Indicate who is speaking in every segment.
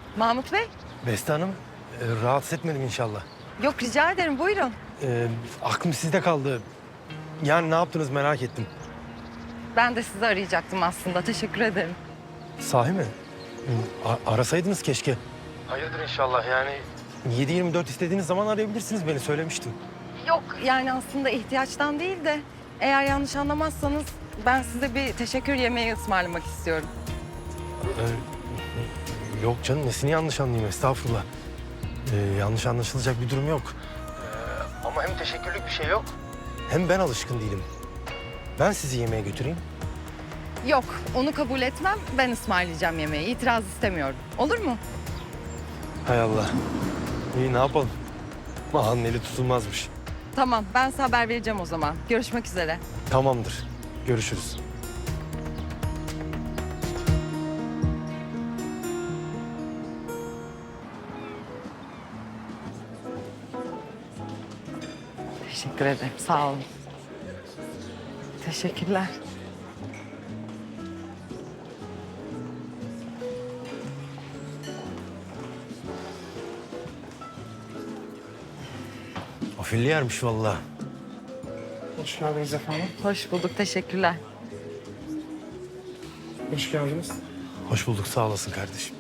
Speaker 1: Mahmut Bey?
Speaker 2: Beste Hanım, rahatsız etmedim inşallah.
Speaker 1: Yok rica ederim buyurun.
Speaker 2: Aklım sizde kaldı. Yani ne yaptınız merak ettim.
Speaker 1: Ben de sizi arayacaktım aslında. Teşekkür ederim.
Speaker 2: Sahi mi? Arasaydınız keşke. Hayırdır inşallah yani. 7/24 istediğiniz zaman arayabilirsiniz beni söylemiştim.
Speaker 1: Yok yani aslında ihtiyaçtan değil de eğer yanlış anlamazsanız ben size bir teşekkür yemeği ısmarlamak istiyorum.
Speaker 2: Yok canım nesini yanlış anlayayım estağfurullah. Yanlış anlaşılacak bir durum yok. Ama hem teşekkürlük bir şey yok. Hem ben alışkın değilim. Ben sizi yemeğe götüreyim.
Speaker 1: Yok onu kabul etmem. Ben ısmarlayacağım yemeği. İtiraz istemiyorum. Olur mu?
Speaker 2: Hay Allah. İyi ne yapalım? Ağanın eli tutulmazmış.
Speaker 1: Tamam ben size haber vereceğim o zaman. Görüşmek üzere.
Speaker 2: Tamamdır. Görüşürüz.
Speaker 1: Teşekkür ederim. Sağ olun. Teşekkürler.
Speaker 2: Afilli yermiş vallahi.
Speaker 3: Hoş geldiniz efendim.
Speaker 1: Hoş bulduk. Teşekkürler.
Speaker 3: Hoş geldiniz.
Speaker 2: Hoş bulduk sağ olasın kardeşim.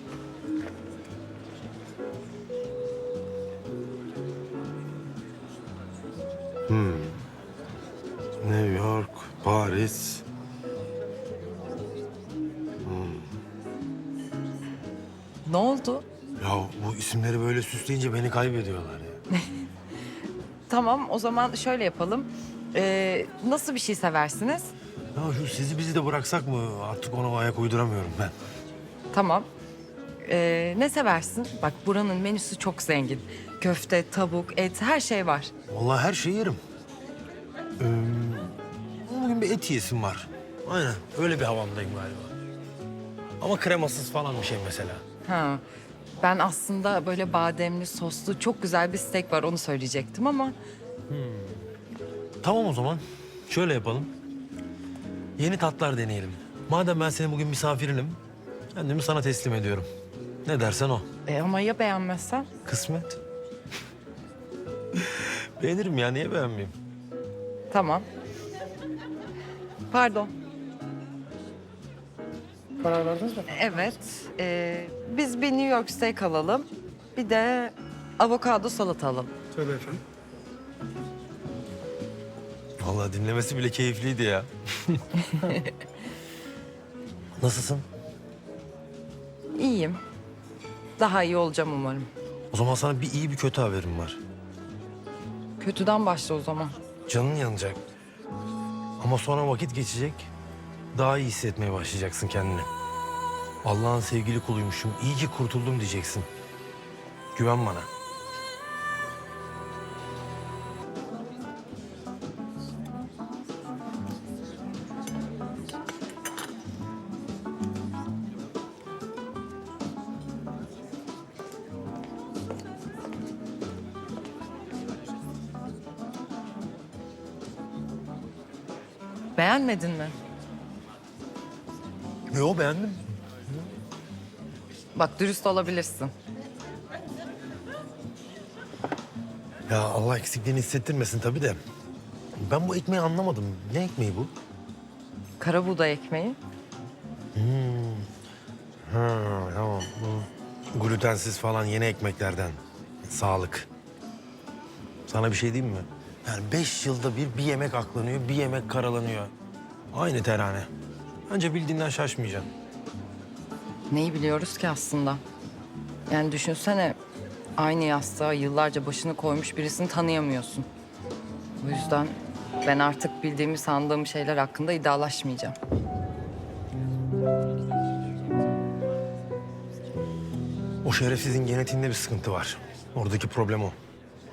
Speaker 2: New York, Paris.
Speaker 1: Ne oldu?
Speaker 2: Ya bu isimleri böyle süsleyince beni kaybediyorlar ya.
Speaker 1: Tamam o zaman şöyle yapalım. Nasıl bir şey seversiniz?
Speaker 2: Ya şu sizi bizi de bıraksak mı? Artık ona ayak uyduramıyorum ben.
Speaker 1: Tamam. Ne seversin? Bak buranın menüsü çok zengin. Köfte, tavuk, et her şey var.
Speaker 2: Vallahi her şeyi yerim. Bugün bir et yiyesim var. Aynen öyle bir havamdayım galiba. Ama kremasız falan bir şey mesela.
Speaker 1: Ha. Ben aslında böyle bademli, soslu çok güzel bir steak var onu söyleyecektim ama...
Speaker 2: Tamam o zaman. Şöyle yapalım. Yeni tatlar deneyelim. Madem ben senin bugün misafirinim, kendimi sana teslim ediyorum. Ne dersen o.
Speaker 1: Ama ya beğenmezsen?
Speaker 2: Kısmet. Beğenirim ya, niye beğenmeyeyim?
Speaker 1: Tamam. Pardon.
Speaker 3: Karar verdiniz mi?
Speaker 1: Evet. Biz bir New York steak alalım. Bir de avokado salata alalım.
Speaker 3: Tabii efendim.
Speaker 2: Vallahi dinlemesi bile keyifliydi ya. Nasılsın?
Speaker 1: İyiyim. Daha iyi olacağım umarım.
Speaker 2: O zaman sana bir iyi bir kötü haberim var.
Speaker 1: Kötüden başla o zaman.
Speaker 2: Canın yanacak. Ama sonra vakit geçecek. Daha iyi hissetmeye başlayacaksın kendini. Allah'ın sevgili kuluymuşum. İyi ki kurtuldum diyeceksin. Güven bana.
Speaker 1: Beğenmedin mi?
Speaker 2: Yo beğendim.
Speaker 1: Bak dürüst olabilirsin.
Speaker 2: Ya Allah eksikliğini hissettirmesin tabii de. Ben bu ekmeği anlamadım. Ne ekmeği bu?
Speaker 1: Kara buğday ekmeği.
Speaker 2: Ha, tamam. Bu glutensiz falan yeni ekmeklerden. Sağlık. Sana bir şey diyeyim mi? Yani 5 yılda bir yemek aklanıyor, bir yemek karalanıyor. Aynı terane. Bence bildiğinden şaşmayacaksın.
Speaker 1: Neyi biliyoruz ki aslında? Yani düşünsene aynı yastığa yıllarca başını koymuş birisini tanıyamıyorsun. O yüzden ben artık bildiğimi sandığım şeyler hakkında iddialaşmayacağım.
Speaker 2: O şerefsizin genetiğinde bir sıkıntı var. Oradaki problem o.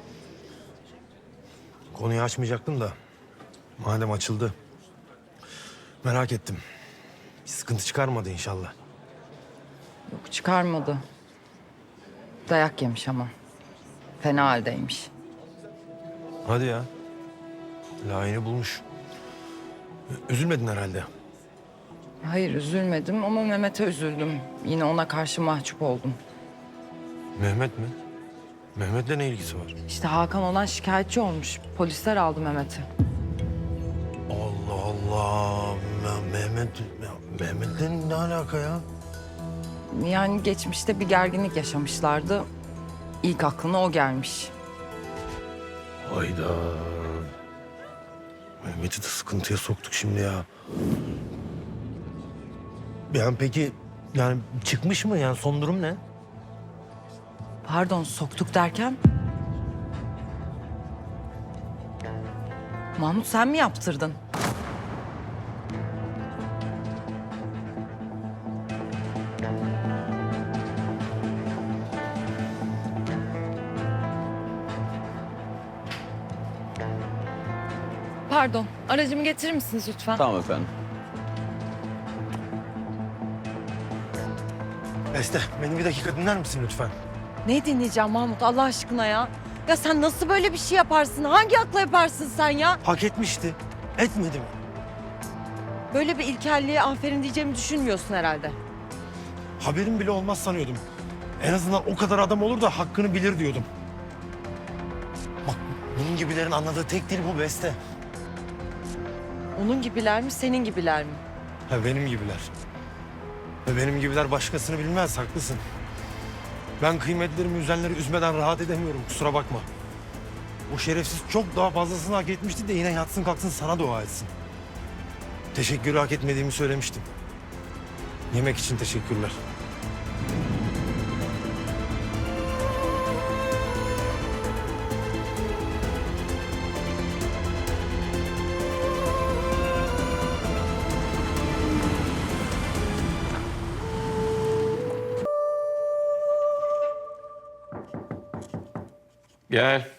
Speaker 2: Konuyu açmayacaktım da madem açıldı. Merak ettim. Bir sıkıntı çıkarmadı inşallah.
Speaker 1: Yok çıkarmadı. Dayak yemiş ama. Fena haldeymiş.
Speaker 2: Hadi ya. Layığını bulmuş. Üzülmedin herhalde.
Speaker 1: Hayır üzülmedim ama Mehmet'e üzüldüm. Yine ona karşı mahcup oldum.
Speaker 2: Mehmet mi? Mehmet'le ne ilgisi var?
Speaker 1: İşte Hakan olan şikayetçi olmuş. Polisler aldı Mehmet'i.
Speaker 2: Allah Allah. Mehmet'le ne alaka ya?
Speaker 1: Yani geçmişte bir gerginlik yaşamışlardı. İlk aklına o gelmiş.
Speaker 2: Hayda. Mehmet'i de sıkıntıya soktuk şimdi ya. Yani peki yani çıkmış mı yani son durum ne?
Speaker 1: Pardon, soktuk derken? Mahmut sen mi yaptırdın? Pardon, aracımı getirir misiniz lütfen?
Speaker 4: Tamam efendim.
Speaker 2: Beste beni bir dakika dinler misin lütfen?
Speaker 1: Ne dinleyeceğim Mahmut Allah aşkına ya? Ya sen nasıl böyle bir şey yaparsın? Hangi akla yaparsın sen ya?
Speaker 2: Hak etmişti. Etmedi mi?
Speaker 1: Böyle bir ilkelliğe aferin diyeceğimi düşünmüyorsun herhalde.
Speaker 2: Haberim bile olmaz sanıyordum. En azından o kadar adam olur da hakkını bilir diyordum. Bak bunun gibilerin anladığı tek dil bu Beste.
Speaker 1: Onun gibiler mi, senin gibiler mi?
Speaker 2: Ha benim gibiler. Ve benim gibiler başkasını bilmez, haklısın. Ben kıymetlerimi üzenleri üzmeden rahat edemiyorum, kusura bakma. O şerefsiz çok daha fazlasını hak etmişti de yine yatsın kalksın sana dua etsin. Teşekkürü hak etmediğimi söylemiştim. Yemek için teşekkürler.
Speaker 5: Gel.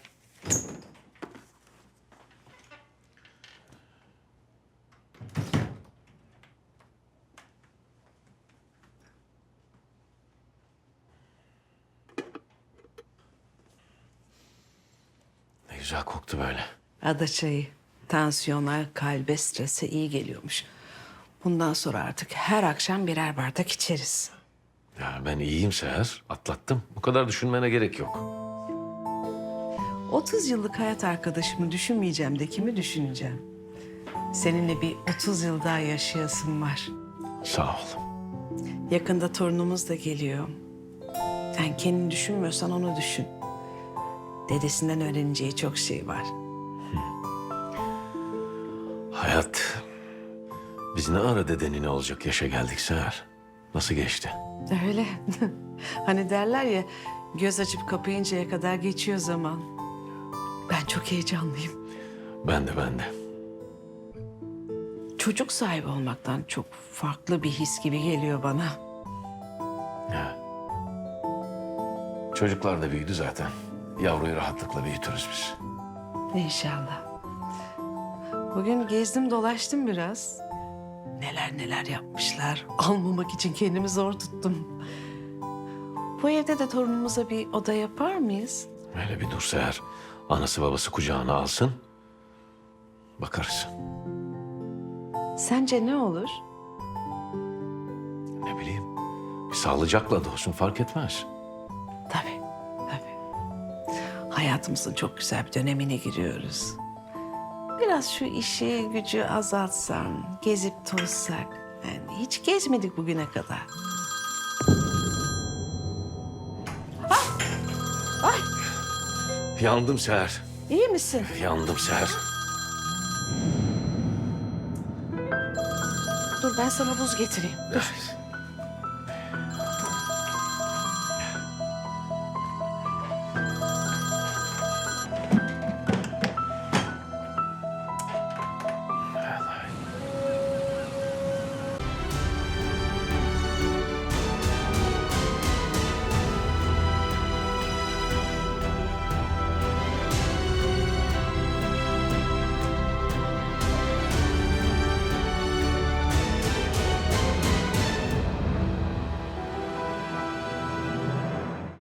Speaker 5: Ne güzel koktu böyle.
Speaker 6: Ada çayı tansiyona, kalbe, strese iyi geliyormuş. Bundan sonra artık her akşam birer bardak içeriz.
Speaker 5: Ya ben iyiyim Seher. Atlattım. Bu kadar düşünmene gerek yok.
Speaker 6: 30 yıllık hayat arkadaşımı düşünmeyeceğim de kimi düşüneceğim? Seninle bir 30 yıl daha yaşayasım var.
Speaker 5: Sağ ol.
Speaker 6: Yakında torunumuz da geliyor. Sen kendini düşünmüyorsan onu düşün. Dedesinden öğreneceği çok şey var.
Speaker 5: Hayat. Biz ne ara dedenine olacak yaşa geldik Seher. Nasıl geçti?
Speaker 6: Öyle. Hani derler ya, göz açıp kapayıncaya kadar geçiyor zaman. Ben çok heyecanlıyım.
Speaker 5: Ben de.
Speaker 6: Çocuk sahibi olmaktan çok farklı bir his gibi geliyor bana.
Speaker 5: Ya. Çocuklar da büyüdü zaten. Yavruyu rahatlıkla büyütürüz biz.
Speaker 6: İnşallah. Bugün gezdim dolaştım biraz. Neler neler yapmışlar. Almamak için kendimi zor tuttum. Bu evde de torunumuza bir oda yapar mıyız?
Speaker 5: Öyle bir dur Seher. Anası babası kucağına alsın. Bakarız.
Speaker 6: Sence ne olur?
Speaker 5: Ne bileyim. Bir sağlıcakla da olsun fark etmez.
Speaker 6: Tabii, tabii. Hayatımızın çok güzel bir dönemine giriyoruz. Biraz şu işi gücü azaltsam, gezip tozsak. Yani hiç gezmedik bugüne kadar.
Speaker 5: Yandım Seher.
Speaker 6: İyi misin?
Speaker 5: Yandım Seher.
Speaker 6: Dur ben sana buz getireyim. Dur.